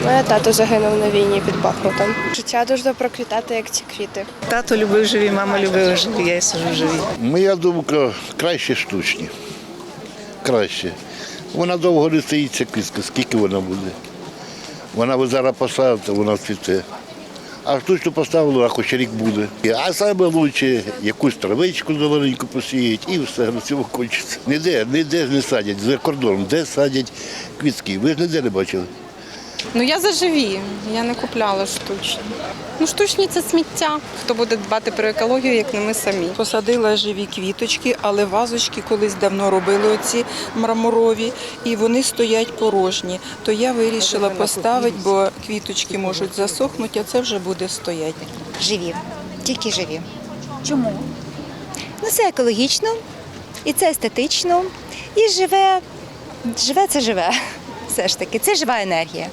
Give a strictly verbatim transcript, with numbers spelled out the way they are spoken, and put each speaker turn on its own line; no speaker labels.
Мене тато загинув на війні під Бахмутом. Життя дуже проквітати, як ці квіти.
Тато любив живі, мама любила живі, я сижу живі.
Моя думка, краще штучні. Краще. Вона довго не стоїть, ця квітка, скільки вона буде. Вона ви зараз посадите, вона цвіте. А штучно поставили, а хоч рік буде. А саме краще якусь травичку зелененьку посіять і все, на цьому кончиться. Ніде, ніде не садять, за кордоном, де садять квітки. Ви ж ніде не бачили.
Ну я за живі, я не купляла штучні. Ну штучні це сміття. Хто буде дбати про екологію, як не ми самі.
Посадила живі квіточки, але вазочки колись давно робили оці мраморові, і вони стоять порожні. То я вирішила поставити, бо квіточки можуть засохнути, а це вже буде стояти.
Живі, тільки живі. Чому? Ну це екологічно, і це естетично, і живе, живе це живе. Все ж таки, це жива енергія.